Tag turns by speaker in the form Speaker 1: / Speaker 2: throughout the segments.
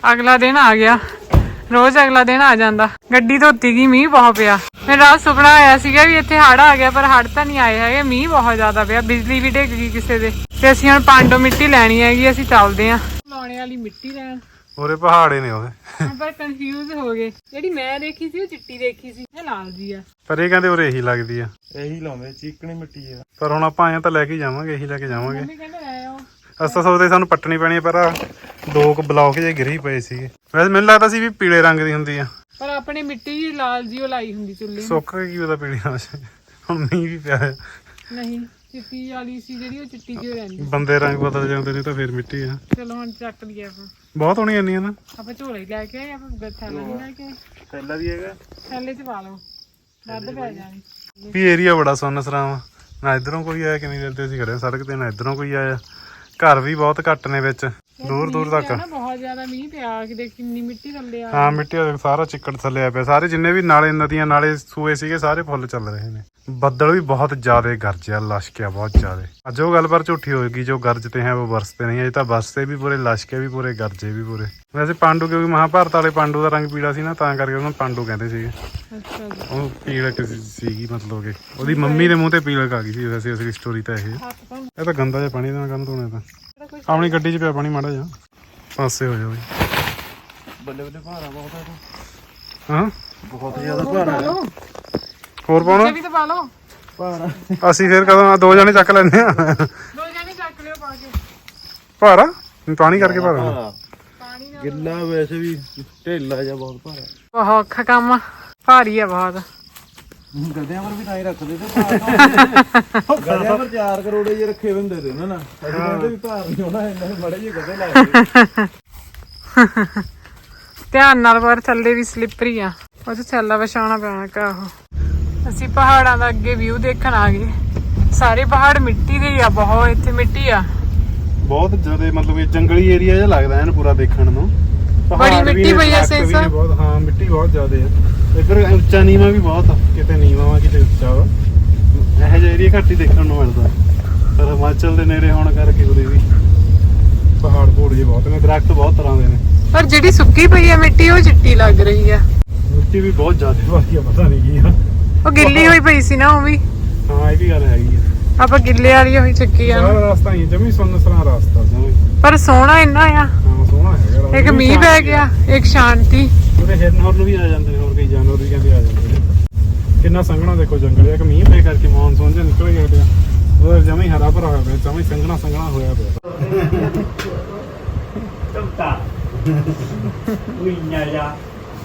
Speaker 1: ਅਗਲਾ ਦਿਨ ਆ ਗਿਆ। ਰੋਜ਼ ਅਗਲਾ ਦਿਨ ਆ ਜਾਂਦਾ। ਗੱਡੀ ਧੋਤੀ ਗਈ, ਮੀਂਹ ਬਹੁਤ ਪਿਆ। ਮੇਰਾ ਰਾਤ ਸੁਪਨਾ ਆਇਆ ਸੀਗਾ ਵੀ ਇੱਥੇ ਹੜ੍ਹ ਆ ਗਿਆ, ਪਰ ਹੜ੍ਹ ਤਾਂ ਨਹੀਂ ਆਏ ਹੈਗੇ। ਮੀਂਹ ਬਹੁਤ ਜ਼ਿਆਦਾ ਪਿਆ, ਬਿਜਲੀ ਵੀ ਡਿੱਗ ਗਈ ਕਿਸੇ ਦੇ। ਤੇ ਅਸੀਂ ਹੁਣ ਪਾਂਡੋ ਮਿੱਟੀ ਲੈਣੀ ਹੈਗੀ, ਅਸੀਂ ਚੱਲਦੇ ਹਾਂ ਲਾਉਣੇ ਵਾਲੀ ਮਿੱਟੀ ਲੈਣ।
Speaker 2: ਉਹਦੇ ਪਹਾੜੇ ਨੇ ਉਹਦੇ।
Speaker 1: ਪਰ ਕਨਫਿਊਜ਼ ਹੋ ਗਏ। ਜਿਹੜੀ ਮੈਂ ਦੇਖੀ ਸੀ ਉਹ ਚਿੱਟੀ ਦੇਖੀ ਸੀ, ਇਹ ਲਾਲ ਜੀ ਆ।
Speaker 2: ਪਰ ਇਹ ਕਹਿੰਦੇ ਉਰੇ ਇਹੀ ਲੱਗਦੀ ਆ।
Speaker 3: ਇਹੀ ਲਾਉਂਦੇ, ਚੀਕਣੀ ਮਿੱਟੀ ਆ।
Speaker 2: ਪਰ ਹੁਣ ਆਪਾਂ ਆਏ ਤਾਂ ਲੈ ਕੇ ਜਾਵਾਂਗੇ, ਇਹੀ ਲੈ ਕੇ ਜਾਵਾਂਗੇ।
Speaker 1: ਮੰਮੀ ਕਹਿੰਦੇ ਲੈ ਆਓ।
Speaker 2: ਅਸੀਂ ਤਾਂ ਸੋਚਦੇ ਸਾਨੂੰ ਪੱਟਣੀ ਪੈਣੀ ਆ, ਪਰ 2 ਬਲੌਕ ਜੇ ਗਿਰੀ ਪਏ ਸੀਗੇ। ਵੈਸੇ ਮੈਨੂੰ ਲੱਗਦਾ ਸੀ ਵੀ ਪੀਲੇ ਰੰਗ ਦੀ ਹੁੰਦੀ ਆ,
Speaker 1: ਪਰ ਆਪਣੇ ਮਿੱਟੀ ਜੀ ਲਾਲ ਜੀ ਉਹ ਲਾਈ ਹੁੰਦੀ ਚੁੱਲ੍ਹੇ ਨੂੰ।
Speaker 2: ਸੁੱਕ ਗਈ ਉਹਦਾ ਪੀਲੀ ਨਾਲ। ਹੁਣ ਮੀਂਹ ਵੀ ਪਿਆ ਹੈ।
Speaker 1: ਨਹੀਂ, ਚਿੱਟੀ ਵਾਲੀ ਸੀ ਜਿਹੜੀ, ਉਹ ਚਿੱਟੀ ਜਿਹੀ ਰਹਿੰਦੀ।
Speaker 2: ਬੰਦੇ ਰੰਗ ਬਦਲ ਜਾਂਦੇ ਨੇ ਤਾਂ ਫਿਰ ਮਿੱਟੀ ਆ।
Speaker 1: ਚਲੋ ਹੁਣ ਚੱਕ ਲਈਏ ਆਪਾਂ।
Speaker 2: ਬਹੁਤ ਹੋਣੀ ਇੰਨੀ ਆ ਨਾ।
Speaker 1: ਆਪਾਂ ਝੋਲੇ ਲੈ ਕੇ ਆਏ, ਆਪਾਂ ਥੈਲਾ ਨਹੀਂ ਲੈ ਕੇ ਆਏ।
Speaker 3: ਥੈਲਾ ਵੀ ਹੈਗਾ,
Speaker 1: ਥੈਲੇ 'ਚ ਪਾ ਲਓ, ਵੱਧ ਪੈ ਜਾਣੀ।
Speaker 2: ਵੀ ਏਰੀਆ ਬੜਾ ਸੁੰਨਸਰਾ ਵਾ। ਨਾ ਇਧਰੋਂ ਕੋਈ ਆਇਆ, ਕਿੰਨੀ ਦੇਰ ਤੇ ਅਸੀਂ ਖੜੇ ਸੜਕ ਤੇ, ਨਾ ਇਧਰੋਂ ਕੋਈ ਆਇਆ। ਘਰ ਵੀ ਬਹੁਤ ਘੱਟ ਨੇ ਵਿੱਚ, ਦੂਰ ਦੂਰ ਤੱਕ।
Speaker 1: ਬਹੁਤ ਜ਼ਿਆਦਾ ਮੀਂਹ ਪਿਆ, ਕਿ ਦੇਖ ਕਿੰਨੀ ਮਿੱਟੀ ਥੱਲੇ ਆ।
Speaker 2: ਹਾਂ, ਮਿੱਟੀ ਸਾਰਾ ਚਿੱਕੜ ਥੱਲੇ ਆ ਪਿਆ। ਸਾਰੇ ਜਿੰਨੇ ਵੀ ਨਾਲੇ, ਨਦੀਆਂ, ਨਾਲੇ, ਸੂਏ ਸੀਗੇ, ਸਾਰੇ ਫੁੱਲ ਚੱਲ ਰਹੇ ਨੇ। ਬੱਦਲ ਵੀ ਬਹੁਤ ਜ਼ਿਆਦਾ ਗਰਜਿਆ, ਲਸ਼ਕਿਆ ਬਹੁਤ ਜ਼ਿਆਦਾ। ਅੱਜ ਉਹ ਗੱਲ ਪਰ ਝੂਠੀ ਹੋਏਗੀ, ਜੋ ਗਰਜਤੇ ਹੈ ਉਹ ਬਰਸਤੇ ਨਹੀਂ। ਅਜੇ ਤਾਂ ਬਰਸਤੇ ਵੀ ਪੂਰੇ, ਲਸ਼ਕੇ ਵੀ ਪੂਰੇ, ਗਰਜੇ ਵੀ ਪੂਰੇ। ਵੈਸੇ ਪਾਂਡੂ, ਕਿਉਂਕਿ ਮਹਾਭਾਰਤ ਵਾਲੇ ਪਾਂਡੂ ਦਾ ਰੰਗ ਪੀਲਾ ਸੀ ਨਾ, ਤਾਂ ਕਰਕੇ ਉਹਨੂੰ ਪਾਂਡੂ ਕਹਿੰਦੇ ਸੀਗੇ।
Speaker 1: ਅੱਛਾ ਜੀ।
Speaker 2: ਉਹ ਪੀਲਕ ਸੀਗੀ, ਮਤਲਬ ਕਿ ਉਹਦੀ ਮੰਮੀ ਦੇ ਮੂੰਹ ਤੇ ਪੀਲਕ ਆ ਗਈ ਸੀ। ਵੈਸੇ ਅਸਲੀ ਸਟੋਰੀ ਤਾਂ ਇਹ ਤਾਂ ਗੰਦਾ ਜਿਹਾ ਪਾਣੀ ਦਾ ਕੰਮ ਧੋਣੇ ਤਾਂ। ਆਪਣੀ ਗੱਡੀ 'ਚ ਪਿਆ ਪਾਣੀ, ਮਾੜਾ ਜਿਹਾ ਪਾਸੇ ਹੋ ਜਾਵੇ।
Speaker 3: ਬੱਲੇ ਬੱਲੇ ਭਾਰਾ ਬਹੁਤ ਹੈ।
Speaker 2: ਹਾਂ,
Speaker 3: ਬਹੁਤ ਜ਼ਿਆਦਾ ਭਾਰਾ ਹੈ।
Speaker 2: ਹੋਰ ਪਾਉਣਾ
Speaker 1: ਵੀ ਤਾਂ ਪਾ ਲਓ
Speaker 3: ਭਾਰਾ।
Speaker 2: ਅਸੀਂ ਫਿਰ ਕਦੋਂ 2 ਜਣੇ ਚੱਕ ਲੈਂਦੇ ਆ।
Speaker 1: 2 ਜਣੇ ਚੱਕ ਲਿਓ ਪਾ ਕੇ।
Speaker 2: ਭਾਰਾ ਪਾਣੀ ਕਰਕੇ ਭਾਰਾ।
Speaker 1: ਪਾਣੀ ਨਾਲ
Speaker 3: ਗਿੱਲਾ ਵੈਸੇ ਵੀ ਢੇਲਾ ਜਿਹਾ ਬਹੁਤ ਭਾਰਾ।
Speaker 1: ਬਹੁਤ ਔਖਾ ਕੰਮ ਆ, ਭਾਰੀ ਆ ਬਹੁਤ।
Speaker 3: ਗਧਿਆਂ ਪਰ ਵੀ ਤਾਂ ਹੀ ਰੱਖਦੇ ਤੇ ਭਾਰ। ਗਧਿਆਂ ਪਰ 4 ਕਰੋੜੇ ਜੇ ਰੱਖੇ ਹੁੰਦੇ ਤੇ ਉਹਨਾਂ ਨਾਲ। ਅਸੀਂ ਕਹਿੰਦੇ ਵੀ ਭਾਰ ਨਹੀਂ ਹੋਣਾ, ਇਹਨਾਂ ਨੂੰ ਬੜੇ ਜਿਹੇ ਗਧੇ ਲੱਗਦੇ।
Speaker 1: ਧਿਆਨ ਨਾਲ, ਪਰ ਥੱਲੇ ਵੀ ਸਲਿੱਪਰੀ ਆ, ਉਹ 'ਚ ਥੈਲਾ ਵਿਛਾਉਣਾ ਪੈਣਾ ਕਾ। ਉਹ ਅਸੀਂ ਪਹਾੜਾਂ ਦਾ ਅੱਗੇ ਵਿਊ ਦੇਖਣ ਆ ਗਏ। ਸਾਰੇ ਪਹਾੜ ਮਿੱਟੀ ਦੇ ਹੀ ਆ, ਬਹੁਤ ਇੱਥੇ ਮਿੱਟੀ ਆ।
Speaker 2: ਬਹੁਤ ਜ਼ਿਆਦਾ, ਮਤਲਬ ਇਹ ਜੰਗਲੀ ਏਰੀਆ ਜਿਹਾ ਲੱਗਦਾ ਐਨ ਪੂਰਾ ਦੇਖਣ ਨੂੰ।
Speaker 1: ਬੜੀ ਮਿੱਟੀ ਪਈ ਐ ਸੇਸਾ।
Speaker 2: ਹਾਂ, ਮਿੱਟੀ ਬਹੁਤ ਜ਼ਿਆਦਾ ਹੈ। ਇੱਧਰ ਉੱਚਾ ਨੀਵਾਂ ਵੀ ਬਹੁਤ ਆ, ਕਿਤੇ ਨੀਵਾਂ ਵਾ, ਕਿਤੇ ਉੱਚਾ ਵਾ। ਇਹੋ ਜਿਹਾ ਏਰੀਆ ਘੱਟ ਹੀ ਦੇਖਣ ਨੂੰ ਮਿਲਦਾ। ਪਰ ਹਿਮਾਚਲ ਦੇ ਨੇੜੇ ਹੋਣ ਕਰਕੇ ਉਹਦੇ ਵੀ ਪਹਾੜ ਪੂੜ ਜਿਹੇ ਬਹੁਤ ਨੇ, ਦਰਖਤ ਬਹੁਤ ਤਰ੍ਹਾਂ ਦੇ ਨੇ।
Speaker 1: ਪਰ ਜਿਹੜੀ ਸੁੱਕੀ ਪਈ ਆ ਮਿੱਟੀ, ਉਹ ਚਿੱਟੀ ਲੱਗ ਰਹੀ ਆ।
Speaker 2: ਮਿੱਟੀ ਵੀ ਬਹੁਤ ਜ਼ਿਆਦਾ ਭਾਰੀ ਆ, ਪਤਾ ਨਹੀਂ ਕੀ ਆ।
Speaker 1: ਉਹ ਗਿੱਲੀ ਹੋਈ ਪਈ ਸੀ ਨਾ, ਉਹ ਵੀ।
Speaker 2: ਹਾਂ, ਇਹ ਵੀ ਗੱਲ ਹੈਗੀ ਆ।
Speaker 1: ਆਪਾਂ ਗਿੱਲੇ ਵਾਲੀ ਹੋਈ ਚੱਕੀ ਆ।
Speaker 2: ਸਾਰਾ ਰਸਤਾ ਹੀ ਜਮੀ ਸੁੰਨਸਰਾ ਰਸਤਾ ਜਮੀ।
Speaker 1: ਪਰ ਸੋਹਣਾ ਇੰਨਾ ਆ।
Speaker 2: ਹਾਂ, ਸੋਹਣਾ ਹੈਗਾ।
Speaker 1: ਇੱਕ ਮੀਂਹ ਪੈ ਗਿਆ, ਇੱਕ ਸ਼ਾਂਤੀ।
Speaker 2: ਉਹਦੇ ਹਿਰਨ ਹੋਰ ਨੂੰ ਵੀ ਆ ਜਾਂਦੇ ਨੇ, ਹੋਰ ਕਈ ਜਾਨਵਰ ਵੀ ਕਹਿੰਦੇ ਆ ਜਾਂਦੇ ਨੇ। ਕਿੰਨਾ ਸੰਘਣਾ ਦੇਖੋ ਜੰਗਲ। ਇੱਕ ਮੀਂਹ ਪੈ ਕਰਕੇ ਮੌਨਸੂਨ ਜਿਹਾ ਨਿਕਲ ਗਿਆ ਪਿਆ। ਉਹਦਾ ਜਮੀ ਹਰਾ ਭਰਾ ਹੋਇਆ ਪਿਆ, ਜਮੀ ਸੰਘਣਾ ਸੰਘਣਾ ਹੋਇਆ ਪਿਆ।
Speaker 4: ਚੁੱਪਤਾ ਉਈਆਂ ਜਾ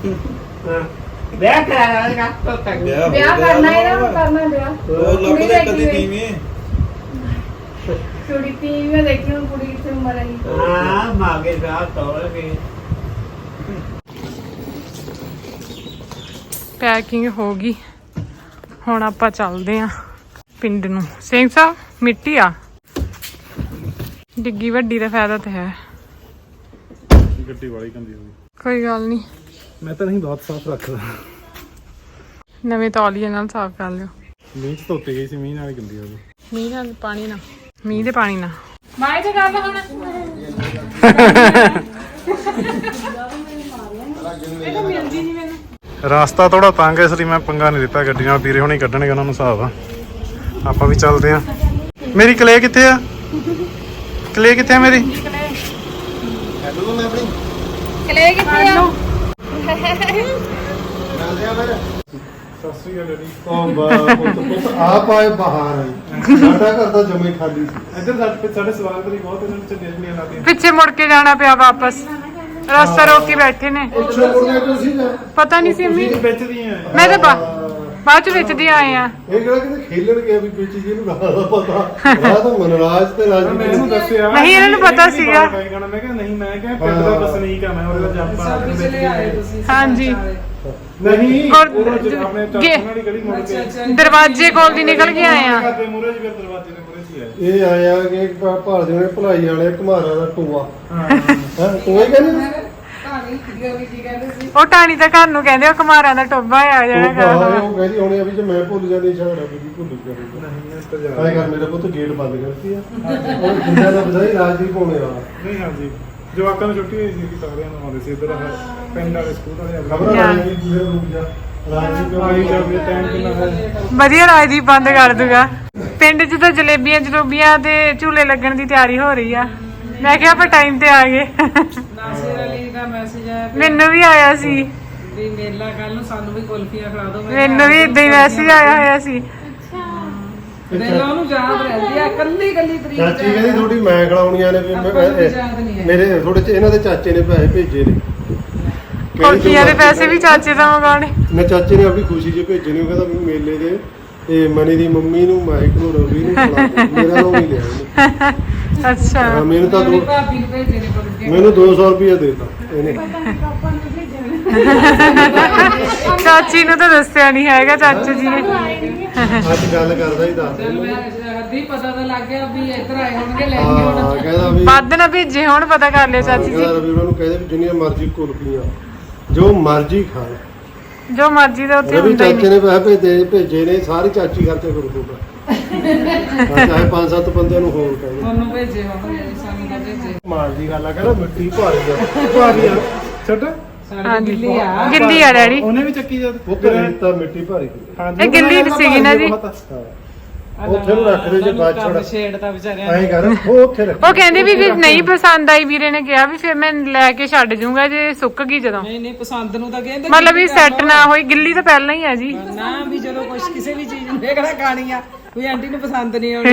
Speaker 4: ਵਿਆਹ ਕਰਾਇਆ ਨਾ।
Speaker 1: ਵਿਆਹ ਕਰਨਾ ਇਹਦਾ, ਕਰਨਾ ਵਿਆਹ।
Speaker 3: ਉਹ ਲੱਭਦੇ ਕਦੀ ਤੀਵੀਂ।
Speaker 1: ਕੁੜੀ ਤੀਵੀਂ ਦੇਖੀ, ਹੁਣ ਕੁੜੀ ਕਿੱਥੇ ਮਰੇਗੀ।
Speaker 4: ਹਾਂ, ਮਾਗੇ ਵਿਆਹ ਤੋੜ ਕੇ।
Speaker 1: ਪੈਕਿੰਗ ਹੋ ਗਈ, ਹੁਣ ਆਪਾਂ ਚੱਲਦੇ ਆਂ ਪਿੰਡ ਨੂੰ। ਸਿੰਘ ਸਾਹਿਬ, ਮਿੱਟੀ ਆ ਡਿੱਗੀ ਵੱਡੀ ਦਾ ਫਾਇਦਾ ਤਾਂ ਹੈ।
Speaker 2: ਗੱਡੀ ਵਾਲੀ ਗੰਦੀ ਹੋ ਗਈ।
Speaker 1: ਕੋਈ ਗੱਲ ਨਹੀਂ,
Speaker 2: ਮੈਂ ਤਾਂ ਨਹੀਂ ਬਹੁਤ ਸਾਫ਼ ਰੱਖਦਾ।
Speaker 1: ਨਵੇਂ ਤੌਲੀਏ ਨਾਲ ਸਾਫ਼ ਕਰ ਲਿਓ।
Speaker 2: ਮੀਂਹ 'ਚ ਧੋਤੀ ਗਈ ਸੀ, ਮੀਂਹ ਨਾਲ ਹੀ ਗੰਦੀ ਹੋ ਗਈ।
Speaker 1: ਮੀਂਹ ਨਾਲ ਪਾਣੀ ਨਾਲ, ਮੀਂਹ ਦੇ ਪਾਣੀ ਨਾਲ। ਬਾਈ ਤੇ ਗੱਲ ਹੁਣ ਇਹ ਤਾਂ ਮਿਲਦੀ ਨਹੀਂ ਮੈਨੂੰ।
Speaker 2: ਰਸਤਾ ਥੋੜਾ ਤੰਗ ਹੈ, ਇਸ ਲਈ ਮੈਂ ਪੰਗਾ ਨਹੀਂ ਦਿੱਤਾ ਗੱਡੀ ਨਾਲ। ਵੀਰੇ ਹੁਣੀ ਕੱਢਣਗੇ, ਉਹਨਾਂ ਨੂੰ ਹਿਸਾਬ ਆ। ਆਪਾਂ ਵੀ ਚੱਲਦੇ ਆ। ਮੇਰੀ ਕਲੇ ਕਿੱਥੇ ਆ? ਕਲੇ ਕਿੱਥੇ ਆ ਮੇਰੀ?
Speaker 1: ਕਲੇ ਕਿੱਥੇ ਆ?
Speaker 2: ਸਤਿ ਸ਼੍ਰੀ ਅਕਾਲ ਡੈਡੀ।
Speaker 3: ਉਹ ਪੁੱਤ ਆਪ ਆਏ ਬਾਹਰ ਆਈ। ਸਾਡਾ ਘਰ ਤਾਂ ਜਮੇ ਖਾਲੀ ਸੀ।
Speaker 2: ਇੱਧਰ ਸਾਡੇ ਸਵਾਲ ਕਰੀ ਬਹੁਤ, ਇਹਨਾਂ ਨੂੰ ਚੱਲੇ ਨਹੀਂ ਲਾਦੇ।
Speaker 1: ਪਿੱਛੇ ਮੁੜ ਕੇ ਜਾਣਾ ਪਿਆ ਵਾਪਸ, ਰਸਤਾ ਰੋਕ ਕੇ ਬੈਠੇ ਨੇ।
Speaker 3: ਪਿੱਛੇ ਮੁੜਨੇ ਤੋਂ ਸੀ ਨਾ।
Speaker 1: ਪਤਾ ਨਹੀਂ ਸੀ ਅੰਮੀ,
Speaker 2: ਵਿੱਚ ਦੀਆਂ
Speaker 1: ਮੈਂ ਤਾਂ ਬਾਅਦ ਚ ਵਿੱਚ ਦੀ ਆਏ ਆ।
Speaker 3: ਇਹ ਕਿਹੜਾ ਕਿਤੇ ਖੇਲਣ ਗਿਆ ਵੀ ਵਿੱਚ ਜਿਹਨੂੰ ਰਾਹ ਦਾ ਪਤਾ। ਰਾਹ ਤਾਂ ਮਨਰਾਜ ਤੇ ਰਾਜੀ
Speaker 2: ਮੈਂ ਇਹਨੂੰ ਦੱਸਿਆ
Speaker 1: ਨਹੀਂ, ਇਹਨਾਂ ਨੂੰ ਪਤਾ ਸੀਗਾ।
Speaker 2: ਮੈਂ ਕਿਹਾ ਨਹੀਂ, ਮੈਂ ਕਿਹਾ ਪਿੰਡ ਦਾ ਵਸਨੀਕ ਆ ਮੈਂ, ਉਹਦੇ ਦਾ ਜੰਪ ਆ ਕੇ।
Speaker 1: ਹਾਂਜੀ,
Speaker 2: ਨਹੀਂ,
Speaker 1: ਔਰ
Speaker 2: ਆਪਣੇ ਚਾਚੂ ਨਾਲ ਹੀ ਗਲੀ ਮੁੜ ਕੇ
Speaker 1: ਦਰਵਾਜ਼ੇ ਕੋਲ ਦੀ ਨਿਕਲ ਕੇ ਆਏ ਆ।
Speaker 2: ਘਰ ਦੇ ਮੂਹਰੇ ਜਿਹੇ ਦਰਵਾਜ਼ੇ ਦੇ ਮੂਹਰੇ ਸੀ ਆਏ।
Speaker 3: ਇਹ ਆਇਆ ਕਿ ਭਾਲਦੇ ਨੇ ਭਲਾਈ ਵਾਲੇ ਘਮਾਰਾ ਦਾ ਟੂਆ।
Speaker 2: ਹਾਂ,
Speaker 3: ਹਾਂ, ਟੂਆ ਹੀ ਕਹਿੰਦੇ।
Speaker 1: ਉਹ ਟਾਣੀ ਤਾਂ ਘਰ ਨੂੰ ਕਹਿੰਦੇ, ਉਹ ਕੁਮਾਰਾਂ ਦਾ ਟੋਬਾ ਆ ਜਿਹੜਾ
Speaker 3: ਉਹ ਕਹਿੰਦੀ ਹੋਣੀ ਆ ਵੀ ਜੇ ਮੈਂ ਭੁੱਲ ਜਾਂਦੀ ਝਗੜਾ ਵੀ ਭੁੱਲ ਜਾਊਗਾ।
Speaker 2: ਨਹੀਂ ਇਸ ਤੋਂ
Speaker 3: ਹਾਏ ਕਰ ਮੇਰਾ ਪੁੱਤ ਗੇਟ ਬੰਦ ਕਰਤੀ ਆ। ਉਹ ਜਿੰਦਾ ਦਾ ਬਧਾਈ ਰਾਜਦੀਪ ਹੋਣੇ ਵਾਲਾ।
Speaker 2: ਨਹੀਂ, ਹਾਂਜੀ ਜਵਾਕਾਂ ਨੂੰ ਛੁੱਟੀ ਹੋਈ ਸੀ ਕਿ ਸਾਰਿਆਂ ਨੂੰ ਆਉਂਦੇ ਸੀ ਇੱਧਰ ਪਿੰਡ ਵਾਲੇ ਸਕੂਲ ਵਾਲੇ
Speaker 3: ਖਬਰ ਆ ਰਹੀ ਹੈ ਰੁਕ ਜਾ ਰਾਜੀ ਕਿਉਂ
Speaker 2: ਆਈ ਜਾਵੇ ਟਾਈਮ ਕਿੰਨਾ ਹੈ
Speaker 1: ਵਧੀਆ ਰਾਜਦੀਪ ਬੰਦ ਕਰ ਦੂਗਾ। ਪਿੰਡ 'ਚ ਤਾਂ ਜਲੇਬੀਆਂ ਤੇ ਝੂਲੇ ਲੱਗਣ ਦੀ ਤਿਆਰੀ ਹੋ ਰਹੀ ਆ। ਮੈਂ ਕਿਹਾ ਆਪਾਂ ਟਾਈਮ ਤੇ ਆ ਗਏ।
Speaker 5: ਨਾਸਿਰ ਅਲੀ ਦਾ ਮੈਸੇਜ ਆਇਆ
Speaker 1: ਮੈਨੂੰ ਵੀ ਆਇਆ ਸੀ,
Speaker 5: ਵੀ ਮੇਲਾ ਕੱਲ ਨੂੰ ਸਾਨੂੰ ਵੀ ਕੁਲਫੀਆਂ ਖਿਲਾ ਦਿਓ।
Speaker 1: ਮੈਨੂੰ ਵੀ ਇਦਾਂ ਹੀ ਮੈਸੇਜ ਆਇਆ ਹੋਇਆ ਸੀ।
Speaker 5: ਮੇਲਾ ਉਹਨੂੰ ਯਾਦ ਰਹਿੰਦੀ ਆ ਕੱਲੀ ਤਰੀਕ
Speaker 3: ਚਾਚੀ ਕਹਿੰਦੀ ਥੋੜੀ ਮੈਂ ਖਿਲਾਉਣੀਆਂ ਨੇ ਵੀ ਮੇਰੇ ਥੋੜੇ ਇਹਨਾਂ ਦੇ ਚਾਚੇ ਨੇ ਪੈਸੇ ਭੇਜੇ ਨੇ
Speaker 1: ਕੁਲਫੀਆਂ ਦੇ ਪੈਸੇ ਵੀ ਚਾਚੇ ਦਾ ਮੰਗਾਉਣੇ।
Speaker 3: ਮੈਂ ਚਾਚੇ ਨੇ ਆਪਣੀ ਖੁਸ਼ੀ 'ਚ ਭੇਜੇ ਨੇ। ਉਹ ਕਹਿੰਦਾ ਵੀ ਮੇਲੇ ਦੇ ਤੇ ਮਨੀ ਦੀ ਮੰਮੀ ਨੂੰ ਮਾਈਕ ਨੂੰ ਰਵੀ ਨੂੰ ਖਿਲਾ ਦਿਓ। ਮੇਰਾ ਨਾਮ ਨਹੀਂ ਲਿਆ ਉਹਨੇ।
Speaker 1: ਅੱਛਾ
Speaker 3: ਹਾਂ, ਮੈਨੂੰ ਤਾਂ
Speaker 5: ਮੇਰੀ ਭਾਬੀ ਨੂੰ ਭੇਜੇ ਨੇ ਕੁਲਫੀਆਂ।
Speaker 3: ਮੈਨੂੰ 200 ਰੁਪਏ ਦੇਤਾ ਇਹਨੇ।
Speaker 1: ਚਾਚੀ ਨੂੰ ਤਾਂ ਦੱਸਿਆ ਨਹੀਂ ਹੈਗਾ ਚਾਚੂ ਜੀ ਨੇ।
Speaker 3: ਅੱਜ ਗੱਲ ਕਰਦਾ ਹੀ ਦੱਸ
Speaker 5: ਚੱਲ ਮੈਂ ਅੱਧੀ ਪਤਾ ਤਾਂ ਲੱਗ ਗਿਆ ਵੀ ਇੱਧਰ ਆਏ ਹੋਣਗੇ ਲੈ ਕੇ
Speaker 3: ਹਾਂ
Speaker 5: ਹੁਣ
Speaker 3: ਕਹਿੰਦਾ ਵੀ
Speaker 1: ਵੱਧ ਨਾ ਭੇਜੇ ਹੁਣ ਪਤਾ ਕਰ ਲਿਓ ਚਾਚੀ ਜੀ।
Speaker 3: ਕਹਿੰਦਾ ਰਵੀ ਉਹਨਾਂ ਨੂੰ ਕਹਿੰਦੇ ਵੀ ਜਿੰਨੀਆਂ ਮਰਜ਼ੀ ਕੁਲਫੀਆਂ ਜੋ ਮਰਜ਼ੀ ਖਾਣ।
Speaker 1: ਜੋ ਮਰਜ਼ੀ ਦਾ ਉੱਥੇ
Speaker 3: ਰਵੀ
Speaker 1: ਹੁੰਦਾ ਹੀ
Speaker 3: ਚਾਚੇ
Speaker 1: ਨਹੀਂ।
Speaker 3: ਨੇ ਪੈਸੇ ਭੇਜੇ ਨੇ ਸਾਰੀ ਚਾਚੀ ਖਰਚਾ ਕਰੂ ਦੂਗਾ। ਚਾਹੇ 5-7 ਬੰਦਿਆਂ ਨੂੰ ਹੋਰ ਕਹਿੰਦੇ
Speaker 5: ਤੁਹਾਨੂੰ ਭੇਜੇ ਹੋਣਗੇ ਸਾਨੂੰ ਤਾਂ ਭੇਜੇ।
Speaker 3: ਮਾਰ ਦੀ ਗੱਲ ਆ ਕਹਿੰਦਾ ਮਿੱਟੀ ਭਾਰੀ ਆ ਛੱਡ
Speaker 5: ਸਾਡੀ ਗਿੱਲੀ ਆ
Speaker 1: ਗਿੱਲੀ ਆ ਡੈਡੀ।
Speaker 2: ਉਹਨੇ ਵੀ ਚੱਕੀ ਜਦ
Speaker 3: ਉਹ ਘਰੇ ਤਾਂ ਮਿੱਟੀ ਭਾਰੀ ਹੁੰਦੀ ਆ।
Speaker 2: ਹਾਂਜੀ
Speaker 1: ਇਹ ਗਿੱਲੀ ਸੀਗੀ ਨਾ ਜੀ।
Speaker 3: ਉੱਥੇ ਨੂੰ ਰੱਖ ਦੇ ਜੇ ਬਾਅਦ ਛੋੜ
Speaker 5: ਛੇੜਦਾ ਵਿਚਾਰਿਆਂ
Speaker 3: ਐਂ ਕਰ ਉਹ ਉੱਥੇ ਰੱਖ।
Speaker 1: ਉਹ ਕਹਿੰਦੇ ਵੀ ਜੇ ਨਹੀਂ ਪਸੰਦ ਆਈ ਵੀਰੇ ਨੇ ਕਿਹਾ ਵੀ ਫਿਰ ਮੈਂ ਲੈ ਕੇ ਛੱਡ ਜੂੰਗਾ ਜੇ ਸੁੱਕ ਗਈ ਜਦੋਂ।
Speaker 5: ਨਹੀਂ ਪਸੰਦ ਨੂੰ ਤਾਂ ਕਹਿੰਦੇ
Speaker 1: ਮਤਲਬ ਵੀ ਸੈੱਟ ਨਾ ਹੋਈ। ਗਿੱਲੀ ਤਾਂ ਪਹਿਲਾਂ ਹੀ ਆ ਜੀ।
Speaker 5: ਨਾ ਵੀ ਜਦੋਂ ਕੁਛ ਕਿਸੇ ਵੀ ਚੀਜ਼ ਨੂੰ ਦੇਖਣਾ ਖਾਣੀ ਆ ਕੋਈ ਆਂਟੀ ਨੂੰ ਪਸੰਦ ਨਹੀਂ ਆਉਣੀ।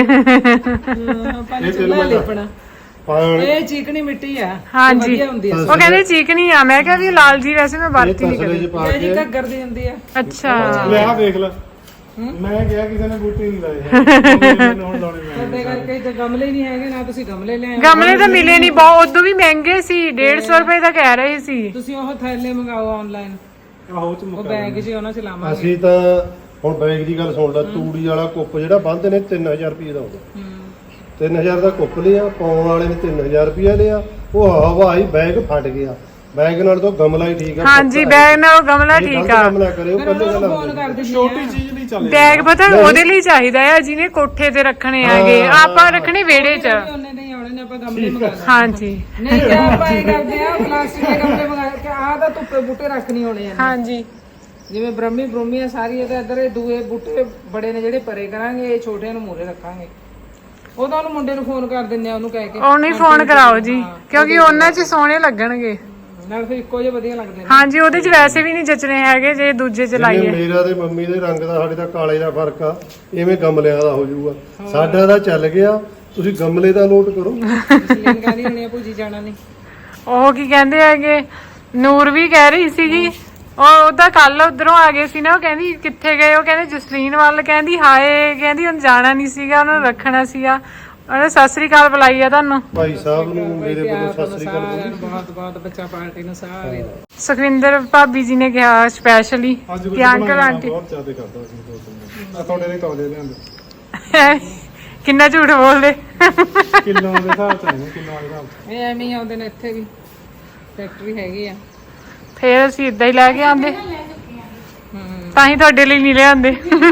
Speaker 5: ਪੰਜ ਚੁੱਲ੍ਹਾ ਲਿਪਣਾ
Speaker 3: ਪਾਣੀ
Speaker 5: ਇਹ ਚੀਕਣੀ ਮਿੱਟੀ ਆ
Speaker 1: ਹਾਂਜੀ
Speaker 5: ਵਧੀਆ ਹੁੰਦੀ ਆ।
Speaker 1: ਉਹ ਕਹਿੰਦੇ ਚੀਕਣੀ ਆ। ਮੈਂ ਕਿਹਾ ਵੀ ਲਾਲ ਜੀ ਵੈਸੇ ਮੈਂ ਵਰਤੀ ਨਹੀਂ
Speaker 3: ਤਸਲੇ 'ਚ
Speaker 1: ਕਰੀ।
Speaker 3: ਪਾ
Speaker 5: ਇਹ ਜੀ
Speaker 3: ਕੇ
Speaker 5: ਘੱਗਰ ਦੀ ਹੁੰਦੀ ਆ।
Speaker 1: ਅੱਛਾ
Speaker 2: ਲੈ ਆ ਦੇਖ ਲੈ। ਮੈਂ ਕਿਹਾ ਕਿਸੇ ਨੇ ਬੂਟੇ ਨਹੀਂ ਲਾਏ ਮੈਨੂੰ ਹੁਣ ਲਾਉਣੇ ਪੈਣੇ।
Speaker 5: ਤੁਹਾਡੇ ਕਰਕੇ ਤੇ ਗਮਲੇ ਹੀ ਨਹੀਂ ਹੈਗੇ ਨਾ ਤੁਸੀਂ ਗਮਲੇ ਲਿਆਏ।
Speaker 1: ਗਮਲੇ ਤਾਂ ਮਿਲੇ ਨਹੀਂ ਬਹੁਤ। ਉਦੋਂ ਵੀ ਮਹਿੰਗੇ ਸੀ। 150 ਰੁਪਏ ਦਾ ਕਹਿ ਰਹੇ ਸੀ।
Speaker 5: ਤੁਸੀਂ ਉਹ ਥੈਲੇ ਮੰਗਾਓ ਆਨਲਾਈਨ।
Speaker 2: ਆਹੋ ਚ
Speaker 5: ਉਹ
Speaker 2: ਮੁੱਕਾ
Speaker 5: ਬੈਗ 'ਚ ਉਹਨਾਂ 'ਚ ਲਾਵਾਂਗੇ।
Speaker 3: ਅਸੀਂ ਤਾਂ ਹੁਣ ਬੈਗ ਦੀ ਗੱਲ ਸੁਣ ਲਾ। ਤੂੜੀ ਵਾਲਾ ਕੁੱਪ ਜਿਹੜਾ ਬੰਦ ਨੇ 3000 ਰੁਪਏ ਦਾ ਹੁੰਦਾ। 3000 ਦਾ ਕੁੱਪ ਲਿਆ ਪਾਉਣ ਵਾਲੇ ਨੇ 3000 ਰੁਪਏ ਲਿਆ। ਉਹ ਹਵਾਈ ਬੈਗ ਫਟ ਗਿਆ। ਬੈਗ ਨਾਲ ਤਾਂ ਗਮਲਾ ਹੀ ਠੀਕ ਆ।
Speaker 1: ਹਾਂਜੀ ਬੈਗ ਨਾਲ ਗਮਲਾ ਠੀਕ ਆ।
Speaker 3: ਗਮਲਾ ਕਰਿਓ
Speaker 5: ਫਿਰ
Speaker 3: ਪਹਿਲੇ
Speaker 5: ਉਹਨਾਂ ਨੂੰ
Speaker 3: ਗੱਲ
Speaker 5: ਫੋਨ ਕਰ ਦਿੰਦੀ
Speaker 2: ਛੋਟੀ ਚੀਜ਼ ਨਹੀਂ ਚੱਲੇ।
Speaker 1: ਬੈਗ ਪਤਾ ਉਹਦੇ ਲਈ ਚਾਹੀਦਾ ਆ ਜਿਹਨੇ ਕੋਠੇ ਤੇ ਰੱਖਣੇ ਹੈਗੇ। ਆਪਾਂ ਰੱਖਣੇ ਵਿਹੜੇ 'ਚ।
Speaker 5: ਉਹਨੇ ਨਹੀਂ ਆਉਣੇ ਨੇ ਆਪਾਂ ਗਮਲੇ ਮੰਗਾ ਲਾਂਗੇ।
Speaker 1: ਹਾਂਜੀ
Speaker 5: ਨਹੀਂ ਕਿਆ ਆਪਾਂ ਇਹ ਕਰਦੇ ਆ ਪਲਾਸਟਿਕ ਦੇ ਗਮਲੇ ਮੰਗਾ ਕੇ ਆਹ ਤਾਂ ਧੁੱਪੇ ਬੂਟੇ ਰੱਖ ਨਹੀਂ ਹੋਣੇ ਆ।
Speaker 1: ਹਾਂਜੀ
Speaker 5: ਜਿਵੇਂ ਬ੍ਰਹਮੀ ਆ ਸਾਰੀ ਇਹਦੇ ਇੱਧਰ ਇਹ ਦੂਏ ਬੂਟੇ ਬੜੇ ਨੇ ਜਿਹੜੇ ਪਰੇ ਕਰਾਂਗੇ ਇਹ ਛੋਟਿਆਂ ਨੂੰ ਮੂਰੇ ਰੱਖਾਂਗੇ। ਉਹ ਤਾਂ ਉਹਨੂੰ ਮੁੰਡੇ ਨੂੰ ਫੋਨ ਕਰ ਦਿੰਨੇ ਆ ਉਹਨੂੰ ਕਹਿ ਕੇ
Speaker 1: ਉਹਨੂੰ ਹੀ ਫੋਨ ਕਰਾਓ ਜੀ ਕਿਉਂਕਿ ਉਹਨਾਂ 'ਚ ਸੋਹਣੇ ਲੱਗਣਗੇ।
Speaker 5: ਨਾਲ ਫਿਰ ਇੱਕੋ ਜਿਹੇ ਵਧੀਆ ਲੱਗਦੇ ਨੇ।
Speaker 1: ਹਾਂਜੀ ਉਹਦੇ 'ਚ ਵੈਸੇ ਵੀ ਨਹੀਂ ਜਚਣੇ ਹੈਗੇ ਜੇ ਦੂਜੇ 'ਚ ਲਾਈਏ।
Speaker 3: ਮੇਰਾ ਤੇ ਮੰਮੀ ਦੇ ਰੰਗ ਦਾ ਸਾਡੇ ਦਾ ਕਾਲੇ ਦਾ ਫਰਕ ਆ। ਇਵੇਂ ਗਮਲਿਆਂ ਦਾ ਹੋ ਜਾਊਗਾ। ਸਾਡਾ ਤਾਂ ਚੱਲ ਗਿਆ। ਤੁਸੀਂ ਗਮਲੇ ਦਾ ਨੋਟ ਕਰੋ।
Speaker 5: ਸਲੀਨ ਕਹਿੰਦੀ ਹੋਣੀ ਆ ਭੂਜੀ ਜਾਣਾ ਨਹੀਂ।
Speaker 1: ਉਹ ਕੀ ਕਹਿੰਦੇ ਹੈਗੇ ਨੂਰ ਵੀ ਕਹਿ ਰਹੀ ਸੀਗੀ। ਉਹਦਾ ਕੱਲ ਉਧਰੋਂ ਆ ਗਏ ਸੀ ਨਾ। ਉਹ ਕਹਿੰਦੀ ਕਿੱਥੇ ਗਏ। ਉਹ ਕਹਿੰਦੇ ਜਸਲੀਨ ਵੱਲ। ਕਹਿੰਦੀ ਹਾਏ ਕਹਿੰਦੀ ਹੁਣ ਜਾਣਾ ਨਹੀਂ ਸੀਗਾ ਉਹਨਾਂ ਨੂੰ ਰੱਖਣਾ ਸੀਗਾ। ਉਹਨੇ ਸਤਿ ਸ੍ਰੀ ਅਕਾਲ ਬੁਲਾਈ ਆ ਤੁਹਾਨੂੰ।
Speaker 3: ਭਾਈ ਸਾਹਿਬ ਨੂੰ ਮੇਰੇ ਵੱਲੋਂ ਸਤਿ ਸ੍ਰੀ ਅਕਾਲ।
Speaker 5: ਸਾਰਿਆਂ ਨੂੰ ਬਹੁਤ ਬਹੁਤ ਬੱਚਾ ਪਾਰਟੀ ਨੂੰ ਸਾਰੇ
Speaker 1: ਸੁਖਵਿੰਦਰ ਭਾਬੀ ਜੀ ਨੇ ਕਿਹਾ ਸਪੈਸ਼ਲੀ ਕਿ ਅੰਕਲ ਆਂਟੀ
Speaker 2: ਬਹੁਤ ਜ਼ਿਆਦਾ ਕਰਦਾ ਸੀ ਦੋ ਤਿੰਨ। ਆ ਤੁਹਾਡੇ ਲਈ ਤੌਲੇ ਲਿਆਂਦੇ
Speaker 1: ਕਿੰਨਾ ਝੂਠ ਬੋਲਦੇ।
Speaker 2: ਕਿਲੋ ਦੇ ਹਿਸਾਬ ਚ ਆਏ ਨੇ ਕਿਲੋ ਦੇ ਹਿਸਾਬ ਚ।
Speaker 5: ਇਹ ਐਵੇਂ ਹੀ ਆਉਂਦੇ ਨੇ ਇੱਥੇ ਵੀ ਫੈਕਟਰੀ ਹੈਗੀ ਆ।
Speaker 1: ਫੇਰ ਅਸੀਂ ਇਦਾਂ ਹੀ ਲੈ ਕੇ ਆਂਦੇ। ਤਾਂ ਹੀ ਤੁਹਾਡੇ ਲਈ ਨਹੀਂ ਲਿਆਂਦੇ।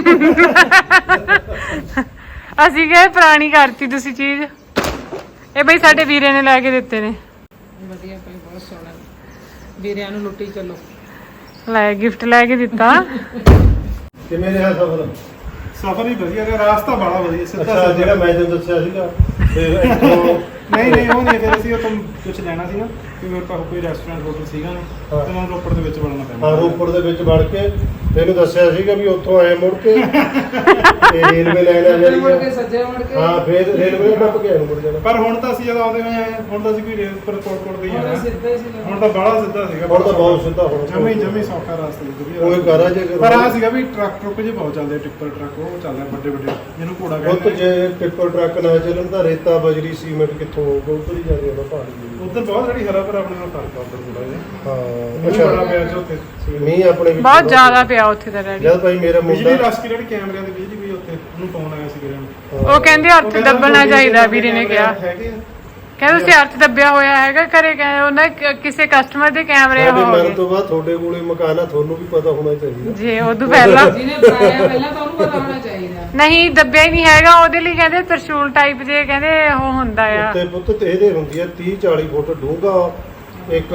Speaker 1: ਅਸੀਂ ਕਹੇ ਪੁਰਾਣੀ ਕਰਤੀ ਤੁਸੀਂ ਚੀਜ਼। ਇਹ ਬਈ ਸਾਡੇ ਵੀਰੇ ਨੇ ਲੈ ਕੇ ਦਿੱਤੇ ਨੇ।
Speaker 5: ਵਧੀਆ ਭਾਈ ਬਹੁਤ ਸੋਹਣਾ ਵੀਰਿਆਂ ਨੂੰ ਲੁੱਟੀ ਚੱਲੋ।
Speaker 1: ਲੈ ਗਿਫਟ ਲੈ ਕੇ ਦਿੱਤਾ।
Speaker 3: ਕਿਵੇਂ ਰਿਹਾ ਸਫਰ?
Speaker 2: ਸਫ਼ਰ ਹੀ ਵਧੀਆ ਰਿਹਾ। ਰਾਸਤਾ ਬੜਾ ਵਧੀਆ ਸਿੱਧਾ
Speaker 3: ਅੱਛਾ
Speaker 2: ਸਿੱਧਾ।
Speaker 3: ਜਿਹੜਾ ਮੈਂ ਤੈਨੂੰ ਦੱਸਿਆ ਸੀਗਾ ਫਿਰ ਇੱਥੋਂ
Speaker 2: ਨਹੀਂ ਉਹ ਨਹੀਂ। ਫਿਰ ਅਸੀਂ ਉਹ ਤੋਂ ਕੁਝ ਲੈਣਾ ਸੀ ਨਾ ਕਿ ਮੇਰੇ ਕੋਲ ਕੋਈ ਰੈਸਟੋਰੈਂਟ ਹੋਟਲ ਸੀਗਾ ਨਹੀਂ ਤੇ ਮੈਨੂੰ ਰੋਪੜ ਦੇ ਵਿੱਚ ਵੜਨਾ ਪੈਂਦਾ।
Speaker 3: ਹਾਂ ਰੋਪੜ ਦੇ ਵਿੱਚ ਵੜ ਕੇ ਤੈਨੂੰ ਦੱਸਿਆ ਸੀਗਾ ਵੀ ਉੱਥੋਂ ਆਏ ਮੁੜ ਕੇ ਤੇ ਰੇਲਵੇ ਲਾਈਨ ਆ ਜਾਣੀ
Speaker 5: ਮੁੜ
Speaker 3: ਆ।
Speaker 5: ਕੇ ਸੱਜੇ ਮੁੜ ਕੇ
Speaker 3: ਹਾਂ ਫਿਰ ਰੇਲਵੇ ਟੱਪ ਕੇ ਆਏ ਮੁੜ ਜਾਣਾ।
Speaker 2: ਪਰ ਹੁਣ ਤਾਂ ਅਸੀਂ ਜਦ ਆਉਂਦੇ ਹੋਏ ਆਏ ਹੁਣ ਤਾਂ ਅਸੀਂ ਕੋਈ ਰੇਲ ਪਰ ਕੋਟ ਦੇ ਹੀ
Speaker 5: ਹੁਣ
Speaker 2: ਆਏ
Speaker 5: ਸਿੱਧੇ ਸੀ
Speaker 2: ਹੁਣ ਤਾਂ ਬੜਾ ਸਿੱਧਾ ਸੀਗਾ।
Speaker 3: ਹੁਣ ਤਾਂ ਬਹੁਤ ਸਿੱਧਾ ਹੁਣ
Speaker 2: ਜਮੀ ਸੌਖਾ ਰਾਸਤਾ ਵਧੀਆ।
Speaker 3: ਕੋਈ ਕਰਾ ਜੇ
Speaker 2: ਪਰ ਆ ਸੀਗਾ ਵੀ ਟਰੱਕ ਜੇ ਬਹੁਤ ਚੱਲਦੇ ਟਿੱਪਰ ਟਰੱਕ ਉਹ ਚੱਲਦੇ ਵੱਡੇ ਵੱਡੇ ਜਿਹਨੂੰ ਘੋੜਾ
Speaker 3: ਉਹ
Speaker 2: ਕਹਿੰਦੇ
Speaker 3: ਜੇ ਟਿੱਪਰ ਟਰੱਕ ਨਾ ਚੱਲਣ ਤਾਂ ਰੇਤਾ ਬਜਰੀ ਸੀਮੈਂਟ ਕਿੱਥੋਂ ਹੋਊਗਾ? ਉੱਧਰ ਹੀ ਜਾਂਦੇ ਉਹਦਾ ਪਹਾੜੀ
Speaker 2: ਉੱਧਰ ਬਹੁਤ ਜਿਹੜੀ ਹਰਾ ਭਰਾ ਆਪਣੇ ਨਾਲ ਫਰਕ ਆ ਉੱਧਰ ਥੋੜਾ ਜਿਹਾ।
Speaker 3: ਹਾਂ
Speaker 2: ਅੱਛਾ ਬੜਾ
Speaker 3: ਅੱਛਾ
Speaker 2: ਪਿਆ ਜੋ ਉੱਥੇ
Speaker 3: ਮੀਂਹ ਆਪਣੇ ਵਿੱਚ
Speaker 1: ਬਹੁਤ ਜ਼ਿਆਦਾ ਪਿਆ ਉੱਥੇ ਤਾਂ ਡੈਡੀ।
Speaker 3: ਜਦ ਭਾਈ ਮੇਰਾ
Speaker 2: ਬਿਜਲੀ
Speaker 3: ਮੁੰਡਾ
Speaker 2: ਰਸ ਜਿਹੜੀ ਕੈਮਰਿਆਂ ਦੀ ਬਿਜਲੀ ਵੀ ਉੱਥੇ ਉਹਨੂੰ ਫੋਨ ਆਇਆ ਸੀ ਵੀਰੇ ਨੂੰ।
Speaker 1: ਉਹ ਕਹਿੰਦੇ ਹੱਥ ਦੱਬਣਾ ਚਾਹੀਦਾ ਵੀਰੇ ਨੇ ਕਿਹਾ।
Speaker 2: ਹੈਗੇ ਆ
Speaker 1: ਕਹਿੰਦੇ ਤੁਸੀਂ ਅਰਥ ਦੱਬਿਆ ਹੋਇਆ ਹੈਗਾ ਘਰੇ, ਕਹਿੰਦੇ ਉਹਨਾਂ ਕਿਸੇ ਕਸਟਮਰ ਦੇ ਕੈਮਰੇ
Speaker 3: ਸਾਡੇ
Speaker 1: ਹੋ
Speaker 3: ਮਰਨ
Speaker 1: ਗਏ
Speaker 3: ਤੋਂ ਬਾਅਦ ਤੁਹਾਡੇ ਕੋਲੇ ਮਕਾਨ ਆ, ਤੁਹਾਨੂੰ ਵੀ ਪਤਾ ਹੋਣਾ ਚਾਹੀਦਾ।
Speaker 1: ਜੇ ਉਦੋਂ ਪਹਿਲਾਂ
Speaker 5: ਜਿਹਨੇ ਬਣਾਇਆ ਪਹਿਲਾਂ ਤਾਂ ਉਹਨੂੰ ਪਤਾ ਹੋਣਾ ਚਾਹੀਦਾ।
Speaker 1: ਨਹੀਂ ਦੱਬਿਆ ਹੀ ਨਹੀਂ ਹੈਗਾ, ਉਹਦੇ ਲਈ ਕਹਿੰਦੇ ਤਰਸ਼ੂਲ ਟਾਈਪ ਜੇ ਕਹਿੰਦੇ ਉਹ ਹੁੰਦਾ ਆ।
Speaker 3: ਉੱਤੇ ਪੁੱਤ ਤੇ ਇਹਦੇ ਹੁੰਦੀ ਆ 30-40 ਫੁੱਟ ਡੂੰਘਾ ਇੱਕ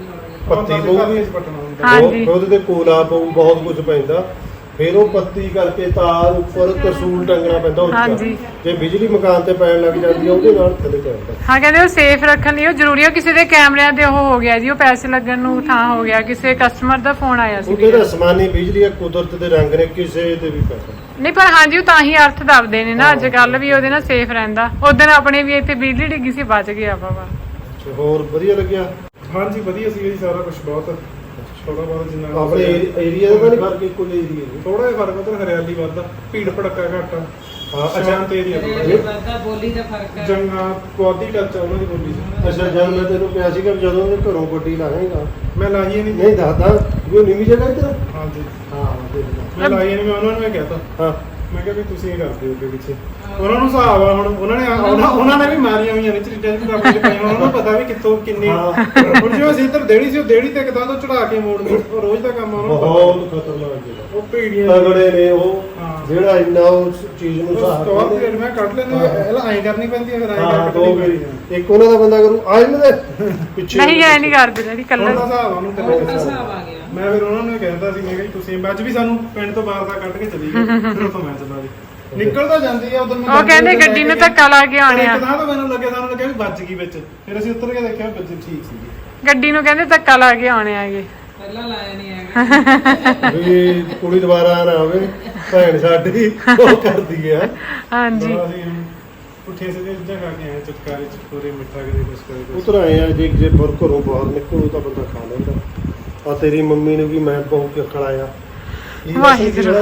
Speaker 3: ਪੱਤੀ ਪਊਗੀ,
Speaker 1: ਹਾਂਜੀ।
Speaker 3: ਉਹਦੇ ਤੇ ਕੋਲਾ ਪਊ, ਬਹੁਤ ਕੁਝ ਪੈਂਦਾ। ਫਿਰ ਉਹ ਪੱਤੀ ਕਰਕੇ ਤਾਰ ਉੱਪਰ ਤਰਸੂਲ ਟੰਗਣਾ ਪੈਂਦਾ ਉੱਚਾ।
Speaker 1: ਹਾਂਜੀ।
Speaker 3: ਜੇ ਬਿਜਲੀ ਮਕਾਨ ਤੇ ਪੈਣ ਲੱਗ ਜਾਂਦੀ ਆ ਉਹਦੇ ਨਾਲ ਥੱਲੇ ਜਾਂਦਾ।
Speaker 1: ਹਾਂ ਕਹਿੰਦੇ ਉਹ ਸੇਫ ਰੱਖਣ ਲਈ ਉਹ ਜ਼ਰੂਰੀ ਹੈ। ਕਿਸੇ ਦੇ ਕੈਮਰਿਆਂ ਤੇ ਉਹ ਹੋ ਗਿਆ ਜੀ, ਉਹ ਪੈਸੇ ਲੱਗਣ ਨੂੰ ਥਾਂ ਹੋ ਗਿਆ। ਕਿਸੇ ਕਸਟਮਰ ਦਾ ਫੋਨ ਆਇਆ ਸੀ
Speaker 3: ਉਹਦੇ ਤਾਂ ਅਸਮਾਨੀ ਬਿਜਲੀ ਆ, ਕੁਦਰਤ ਦੇ ਰੰਗ ਨੇ, ਕਿਸੇ ਦੇ ਵੀ ਪੈਸਾ।
Speaker 1: ਨਹੀਂ ਪਰ ਹਾਂਜੀ ਉਹ ਤਾਂ ਹੀ ਅਰਥ ਦੱਬਦੇ ਨੇ ਨਾ ਅੱਜ ਕੱਲ ਵੀ, ਉਹਦੇ ਨਾਲ ਸੇਫ ਰਹਿੰਦਾ। ਉਦੋਂ ਆਪਣੇ ਵੀ ਇੱਥੇ ਬਿਜਲੀ ਡਿੱਗੀ ਸੀ, ਬਚ ਗਿਆ ਬਾਬਾ।
Speaker 3: ਹੋਰ ਵਧੀਆ ਲੱਗਿਆ
Speaker 2: ਹਾਂਜੀ ਵਧੀਆ ਸੀ ਜੀ, ਸਾਰਾ ਕੁਝ ਬਹੁਤ ਥੋੜਾ ਬਹੁਤ ਜਿੰਨਾ
Speaker 3: ਆਪਣੇ ਏਰੀਆ ਦਾ ਤਾਂ ਨਹੀਂ ਫਰਕ, ਇੱਕੋ ਜਿਹਾ ਏਰੀਆ
Speaker 2: ਥੋੜਾ ਜਿਹਾ ਫਰਕ ਉਧਰ ਹਰਿਆਲੀ ਵੱਧਦਾ, ਭੀੜ ਭੜੱਕਾ ਘੱਟ,
Speaker 3: ਹਾਂ।
Speaker 2: ਸ਼ਾਂਤ ਏਰੀਆ
Speaker 5: ਦਾ ਬੋਲੀ ਦਾ ਫਰਕ ਹੈ।
Speaker 2: ਜੰਗਾ ਕੁਆਦੀ ਟੱਚ ਉਹਨਾਂ ਦੀ ਬੋਲੀ ਚ।
Speaker 3: ਅੱਛਾ, ਜਦ ਮੈਂ ਤੈਨੂੰ ਕਿਹਾ ਸੀਗਾ ਵੀ ਜਦੋਂ ਉਹਦੇ ਘਰੋਂ ਗੱਡੀ ਲਾਹੇਗਾ,
Speaker 2: ਮੈਂ ਲਾਈ ਨਹੀਂ।
Speaker 3: ਨਹੀਂ ਦੱਸਦਾ ਵੀ ਉਹ ਨੀਵੀਂ ਜਗ੍ਹਾ ਇੱਧਰ।
Speaker 2: ਹਾਂਜੀ
Speaker 3: ਹਾਂ ਦੇਖ ਲੈ।
Speaker 2: ਮੈਂ ਲਾਈ ਨਹੀਂ, ਮੈਂ ਉਹਨਾਂ ਨੂੰ ਇਹ ਕਹਿਤਾ,
Speaker 3: ਹਾਂ
Speaker 2: ਮੈਂ ਕਿਹਾ ਵੀ ਤੁਸੀਂ ਇਹ ਕਰਦੇ ਹੋ ਅੱਗੇ ਪਿੱਛੇ। ਉਹਨਾਂ ਨੂੰ ਹਿਸਾਬ ਆ ਹੁਣ, ਉਹਨਾਂ ਨੇ ਵੀ ਮਾਰੀਆਂ ਹੋਈਆਂ ਨੇ ਚੀਜ਼ਾਂ ਵੀ ਆਪਣੇ ਪਈਆਂ, ਉਹਨਾਂ ਨੂੰ ਪਤਾ ਵੀ ਕਿੱਥੋਂ ਕਿੰਨੀ। ਹੁਣ ਜਿਵੇਂ ਅਸੀਂ ਇੱਧਰ ਦੇੜੀ ਸੀ, ਉਹ ਦੇੜੀ ਤੇ ਇੱਕਦਾਂ ਤੋਂ ਚੜਾ ਕੇ ਮੋੜਨੀ, ਉਹ ਰੋਜ਼ ਦਾ ਕੰਮ ਆ ਉਹਨਾਂ ਨੂੰ ਪਤਾ।
Speaker 3: ਬਹੁਤ ਖਤਰਨਾਕ ਜਗ੍ਹਾ,
Speaker 2: ਉਹ ਭੀੜੀਆਂ
Speaker 3: ਤਗੜੇ ਨੇ ਉਹ,
Speaker 2: ਹਾਂ।
Speaker 3: ਜਿਹੜਾ ਇੰਨਾ ਉਸ ਚੀਜ਼ ਨੂੰ
Speaker 2: ਸਟਾਪ
Speaker 3: ਸਾਹਬ
Speaker 2: ਪੀਰੀਅਡ ਮੈਂ ਕੱਢ ਲੈਂਦੇ, ਇਹਲਾ ਐਂ ਕਰਨੀ ਪੈਂਦੀ ਹੈ, ਫਿਰ ਐਂ
Speaker 3: ਹਾਂ
Speaker 2: ਕਰਕੇ
Speaker 3: ਦੋ ਵਾਰੀ ਇੱਕ ਉਹਨਾਂ ਦਾ ਬੰਦਾ ਕਰੂ ਆ ਇਹਨਾਂ ਦੇ ਪਿੱਛੇ
Speaker 1: ਨਹੀਂ ਐ ਨਹੀਂ ਕਰਦੇ ਜਿਹੜੀ
Speaker 2: ਉਹਨਾਂ
Speaker 1: ਕੱਲਰ
Speaker 2: ਦਾ ਹਿਸਾਬ ਆ ਉਹਨੂੰ
Speaker 5: ਉਹ
Speaker 2: ਕੱਲੇ
Speaker 5: ਤਾਂ
Speaker 2: ਦਾ
Speaker 5: ਹਿਸਾਬ ਆ ਗਿਆ।
Speaker 2: ਮੈਂ ਫਿਰ ਉਹਨਾਂ ਨੂੰ ਇਹ ਕਹਿੰਦਾ ਸੀ, ਮੈਂ ਕਿਹਾ ਜੀ ਤੁਸੀਂ ਅੱਜ ਵੀ ਸਾਨੂੰ ਪਿੰਡ ਤੋਂ ਬਾਹਰ ਦਾ ਕੱਢ ਕੇ ਚਲੀ ਗਏ, ਫਿਰ ਉੱਥੋਂ ਮੈਂ ਚਲਾ ਜੀ ਨਿਕਲ ਤਾਂ ਜਾਂਦੀ ਆ ਉਧਰ।
Speaker 1: ਉਹ ਕਹਿੰਦੇ ਗੱਡੀ ਨੂੰ ਧੱਕਾ ਲਾ ਕੇ ਆਉਣੇ ਆ,
Speaker 2: ਤਾਂ ਮੈਨੂੰ ਲੱਗਿਆ, ਸਾਨੂੰ ਲੱਗਿਆ ਵੀ ਵੱਜ ਗਈ ਵਿੱਚ, ਫਿਰ ਅਸੀਂ ਉੱਤਰ ਕੇ ਦੇਖਿਆ ਬੱਚੇ ਠੀਕ ਸੀਗੇ।
Speaker 1: ਗੱਡੀ ਨੂੰ ਕਹਿੰਦੇ ਧੱਕਾ ਲਾ ਕੇ ਆਉਣੇ ਆਗੇ।
Speaker 5: ਪਹਿਲਾਂ ਲਾਇਆ ਨਹੀਂ ਹੈਗਾ।
Speaker 3: ਵੀ ਕੁੜੀ ਦੁਬਾਰਾ ਨਾ ਆਵੇ, ਭੈਣ ਸਾਡੀ ਉਹ ਕਰਦੀ ਆ।
Speaker 1: ਹਾਂਜੀ
Speaker 2: ਬੜਾ ਅਸੀਂ ਪੁੱਠੇ ਸਿੱਧੇ ਚੀਜ਼ਾਂ ਖਾ ਕੇ ਆਏ, ਚਟਕਾਰੇ ਚਟਕੋਰੇ, ਮਿੱਠਾ ਕਦੇ ਕੁਛ ਕਦੇ ਕੁਛ।
Speaker 3: ਉਤਰ ਆਏ ਆ, ਜੇ ਬਰ ਘਰੋਂ ਬਾਹਰ ਨਿਕਲੋ ਤਾਂ ਬੰਦਾ ਖਾ ਲੈਂਦਾ। ਆ ਤੇਰੀ ਮੰਮੀ ਨੇ ਵੀ ਮੈਂ ਬਹੁਤ ਕੇ ਖੜਾਇਆ।
Speaker 1: ਵਾਹਿਗੁਰੂ।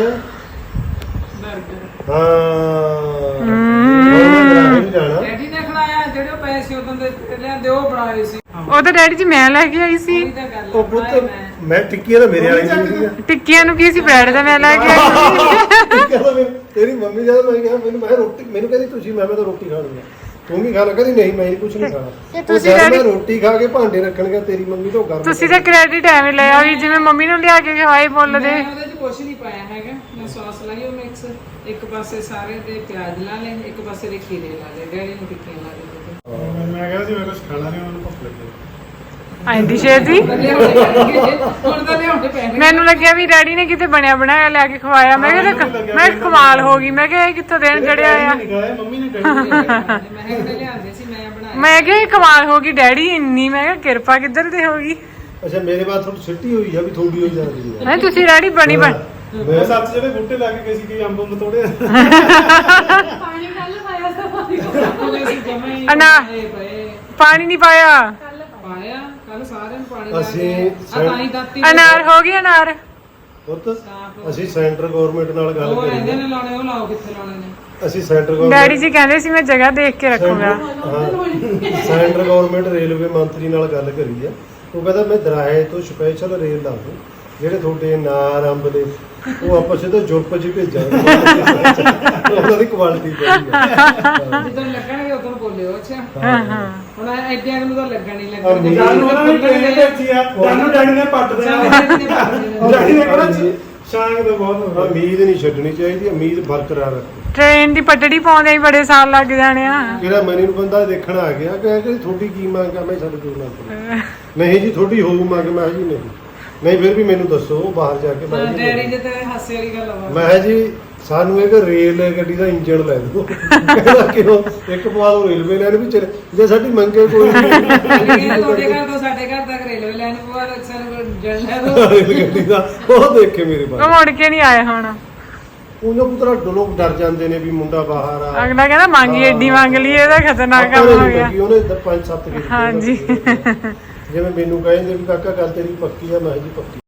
Speaker 3: ਹਾਂ ਨਹੀਂ ਜਾਣਾ।
Speaker 5: ਡੈਡੀ ਨੇ ਖੜਾਇਆ, ਜਿਹੜੇ ਪੈਸੇ ਉਦੋਂ ਦੇ ਲਿਆਂਦੇ ਉਹ ਬਣਾਏ ਸੀ।
Speaker 1: ਉਹ ਤਾਂ ਡੈਡੀ ਜੀ ਮੈਂ ਲੈ ਕੇ ਆਈ ਸੀ।
Speaker 5: ਉਹੀ ਤਾਂ ਗੱਲ
Speaker 3: ਉਹ
Speaker 5: ਆ,
Speaker 3: ਪੁੱਤ ਮੈਂ ਟਿੱਕੀਆਂ ਤਾਂ ਮੇਰੇ ਵਾਲੀ ਨਹੀਂ ਸੀਗੀਆਂ।
Speaker 1: ਟਿੱਕੀਆਂ ਨੂੰ ਕੀ ਸੀ, ਬ੍ਰੈਡ ਦਾ ਮੈਂ ਲੈ ਕੇ ਆਈ ਸੀ।
Speaker 3: ਟਿੱਕੀਆਂ ਤਾਂ ਤੇਰੀ ਮੰਮੀ ਜਦੋਂ ਮੈਂ ਕਿਹਾ ਮੈਂ ਰੋਟੀ, ਮੈਨੂੰ ਕਹਿੰਦੀ ਤੁਸੀਂ ਮੈਂ ਤਾਂ ਰੋਟੀ ਖਾਣੀ ਆ, ਤੂੰ ਵੀ ਖਾ ਲੈ। ਕਹਿੰਦੀ ਨਹੀਂ ਮੈਂ ਕੁਝ ਨਹੀਂ ਖਾਣਾ।
Speaker 1: ਤੇ
Speaker 3: ਤੁਸੀਂ
Speaker 1: ਤੁਸੀਂ
Speaker 3: ਮੈਂ ਰੋਟੀ ਖਾ ਕੇ ਭਾਂਡੇ ਰੱਖਣਗੇ ਤੇਰੀ ਮੰਮੀ ਤੋਂ ਗਰਮ।
Speaker 1: ਤੁਸੀਂ ਤਾਂ ਕ੍ਰੈਡਿਟ ਐਵੇਂ ਲਿਆ ਵੀ ਜਿਵੇਂ ਮੰਮੀ ਨੂੰ ਲਿਆ ਕੇ ਖਵਾਈ ਬੋਲਦੇ।
Speaker 5: ਮੈਂ ਉਹਦੇ ਚ ਕੁਛ ਨਹੀਂ ਪਾਇਆ ਹੈਗਾ। ਮੈਂ ਸੌਸ ਲਾਈ ਉਹ ਮਿਕਸ, ਇੱਕ ਪਾਸੇ ਸਾਰੇ ਦੇ ਪਿਆਜ਼ ਲਾ ਲਏ, ਇੱਕ ਪਾਸੇ ਦੇ ਖੀਰੇ ਲਾ ਲਏ, ਡੈਡੀ ਨੂੰ ਟਿੱਕੀਆਂ ਲਾ ਦਿੱਤੀਆਂ।
Speaker 2: ਮੈਂ ਕਿਹਾ ਸੀ ਮੈਂ ਕੁਝ ਖਾਣਾ ਨਹੀਂ, ਉਹਨਾਂ ਨੂੰ ਭੁੱਖ ਲੱਗੀ।
Speaker 1: ਆਂਦੀ ਛੇਤੀ
Speaker 5: ਹੁਣ ਤਾਂ ਲਿਆਉਣੇ ਪੈਣੇ।
Speaker 1: ਮੈਨੂੰ ਲੱਗਿਆ ਵੀ ਡੈਡੀ ਨੇ ਕਿਤੇ ਬਣਿਆ ਬਣਾਇਆ ਲੈ ਕੇ ਖਵਾਇਆ। ਮੈਂ ਕਿਹਾ ਕਮਾਲ ਹੋ ਗਈ, ਮੈਂ ਕਿਹਾ ਇਹ ਕਿੱਥੋਂ ਦੇਣ ਚੜਿਆ ਆ।
Speaker 2: ਮੰਮੀ ਨੇ ਕਹੀ
Speaker 5: ਮੈਂ ਕਿਹੜੇ ਲਿਆਂਦੇ ਸੀ, ਮੈਂ ਬਣਾਇਆ।
Speaker 1: ਮੈਂ ਕਿਹਾ ਇਹ ਕਮਾਲ ਹੋ ਗਈ ਡੈਡੀ ਇੰਨੀ, ਮੈਂ ਕਿਹਾ ਕਿਰਪਾ ਕਿੱਧਰ ਤੇ ਹੋ ਗਈ।
Speaker 3: ਅੱਛਾ ਮੇਰੇ ਬਾਅਦ ਥੋੜੀ ਛਿੱਟੀ ਹੋਈ ਆ ਵੀ ਥੋੜੀ ਹੋਈ ਜਾਂਦੀ ਆ।
Speaker 1: ਨਹੀਂ ਤੁਸੀਂ ਡੈਡੀ ਬਣੀ ਬਣ
Speaker 2: ਮੈਂ ਸੱਚ ਜਿਹੜੇ ਬੂਟੇ ਲਾ ਕੇ ਗਏ ਸੀ ਕਿ ਅੰਬ ਤੋੜੇ।
Speaker 6: ਪਾਣੀ ਕੱਲ ਪਾਇਆ ਤਾਂ ਪਾਣੀ
Speaker 1: ਪਾਣੀ ਨਹੀਂ ਪਾਇਆ।
Speaker 5: ਪਾਇਆ ਕੱਲ ਸਾਰਿਆਂ ਨੂੰ ਪਾਣੀ ਲਾ
Speaker 3: ਅਸੀਂ
Speaker 5: ਕੇ ਤਾਂ ਹੀ ਦਾਤੀ
Speaker 1: ਅਨਾਰ ਹੋ ਗਈ ਅਨਾਰ।
Speaker 3: ਪੁੱਤ ਅਸੀਂ ਸੈਂਟਰ ਗਵਰਨਮੈਂਟ ਨਾਲ ਗੱਲ
Speaker 5: ਉਹ
Speaker 3: ਕਰੀ
Speaker 5: ਰਹਿੰਦੇ ਨੇ ਲਾਉਣੇ, ਉਹ ਲਾਓ ਕਿੱਥੇ ਲਾਉਣੇ ਨੇ।
Speaker 3: ਅਸੀਂ ਸੈਂਟਰ
Speaker 1: ਡੈਡੀ
Speaker 3: ਗਵਰਨਮੈਂਟ
Speaker 1: ਜੀ ਕਹਿੰਦੇ ਸੀ ਮੈਂ ਜਗ੍ਹਾ ਦੇਖ ਕੇ ਰੱਖੂੰਗਾ।
Speaker 3: ਸੈਂਟਰ ਗਵਰਨਮੈਂਟ ਰੇਲਵੇ ਮੰਤਰੀ ਨਾਲ ਗੱਲ ਕਰੀ ਆ। ਉਹ ਕਹਿੰਦਾ ਮੈਂ ਦਰਾਹੇ ਤੋਂ ਸਪੈਸ਼ਲ ਰੇਲ ਲਾ ਦੂੰ, ਜਿਹੜੇ ਤੁਹਾਡੇ ਨਾਰ ਅੰਬ ਦੇ ਉਹ ਆਪਾਂ ਸਿੱਧਾ ਜੁਰਪ ਚ ਭੇਜਾਂਗੇ। ਉਹਨਾਂ ਦੀ ਕੁਆਲਿਟੀ ਪਈ ਆ।
Speaker 5: ਜਦੋਂ ਲੱਗਣਗੇ ਉਦੋਂ ਬੋਲਿਓ। ਅੱਛਾ ਹੁਣ ਐਡਿਆਂ ਨੂੰ ਤਾਂ ਲੱਗਣ ਨਹੀਂ ਲੱਗਣਗੇ।
Speaker 2: ਜਾਨੂੰ ਉਹਨਾਂ ਨੇ ਟ੍ਰੇਨ ਭੇਜੀ ਆ, ਜਾਨੂੰ ਡੈਡੀ ਨੇ ਪੱਟ ਦੇਣਾ। ਡੈਡੀ ਨੇ ਕਿਹੜਾ ਸ਼ਾਂਗ ਦਾ ਬਹੁਤ
Speaker 3: ਉਮੀਦ ਨਹੀਂ ਛੱਡਣੀ ਚਾਹੀਦੀ, ਉਮੀਦ ਬਰਕਰਾਰ ਰੱਖੋ।
Speaker 1: ਟ੍ਰੇਨ ਦੀ ਪਟੜੀ ਪਾਉਂਦੇ ਹੀ ਬੜੇ ਸਾਲ ਲੱਗ ਜਾਣੇ ਆ।
Speaker 3: ਜਿਹੜਾ ਮੈਨੂੰ ਬੰਦਾ ਦੇਖਣ ਆ ਗਿਆ ਕਿ ਤੁਹਾਡੀ ਕੀ ਮੰਗ ਆ, ਮੈਂ ਸਾਡੇ ਕੋਲ ਨਾ ਨਹੀਂ ਜੀ ਤੁਹਾਡੀ ਹੋਊ ਮੰਗ। ਮੈਂ ਜੀ ਨਹੀਂ ਫਿਰ ਵੀ ਮੈਨੂੰ ਦੱਸੋ ਬਾਹਰ ਜਾ ਕੇ। ਮੈਂ
Speaker 5: ਡੈਡੀ ਦੇ ਤੇ ਹਾਸੇ ਵਾਲੀ ਗੱਲ ਆ।
Speaker 3: ਮੈਂ ਜੀ ਸਾਨੂੰ ਇੱਕ ਰੇਲ ਗੱਡੀ ਦਾ ਇੰਜਣ ਲੈ ਦਿਓ। ਕਹਿੰਦਾ ਕਿਉਂ? ਇੱਕ ਪਵਾ ਦੋ ਰੇਲਵੇ ਲਾਈਨ ਵੀ ਚਲੇ, ਜੇ ਸਾਡੀ ਮੰਗੇ ਕੋਈ
Speaker 5: ਤੁਹਾਡੇ ਘਰ ਤੋਂ ਸਾਡੇ ਘਰ ਤੱਕ ਰੇਲਵੇ ਲਾਈਨ ਪਵਾ ਦੋ, ਸਾਨੂੰ ਜਲ ਲੈ ਦੋ।
Speaker 3: ਰੇਲ ਗੱਡੀ ਦਾ ਉਹ ਦੇਖ ਕੇ ਮੇਰੇ
Speaker 1: ਉਹ
Speaker 3: ਬਾਅਦ
Speaker 1: ਮੁੜ ਕੇ ਨਹੀਂ ਆਏ ਹੁਣ।
Speaker 3: ਉਹਨਾਂ ਪੁੱਤਰਾ ਲੋਕ ਡਰ ਜਾਂਦੇ ਨੇ ਵੀ ਮੁੰਡਾ ਬਾਹਰ ਆ।
Speaker 1: ਅਗਲਾ ਕਹਿੰਦਾ ਮੰਗੀ ਐਡੀ ਮੰਗ ਲਈ, ਇਹਦਾ ਖਤਰਨਾਕ ਕੰਮ ਹੋ ਗਿਆ।
Speaker 3: ਉਹਨੇ 5-7
Speaker 1: ਹਾਂਜੀ
Speaker 3: ਜਿਵੇਂ ਮੈਨੂੰ ਕਹਿੰਦੇ ਵੀ ਕਾਕਾ ਗੱਲ ਤੇਰੀ ਪੱਕੀ ਆ, ਮੈਂ ਜੀ ਪੱਕੀ।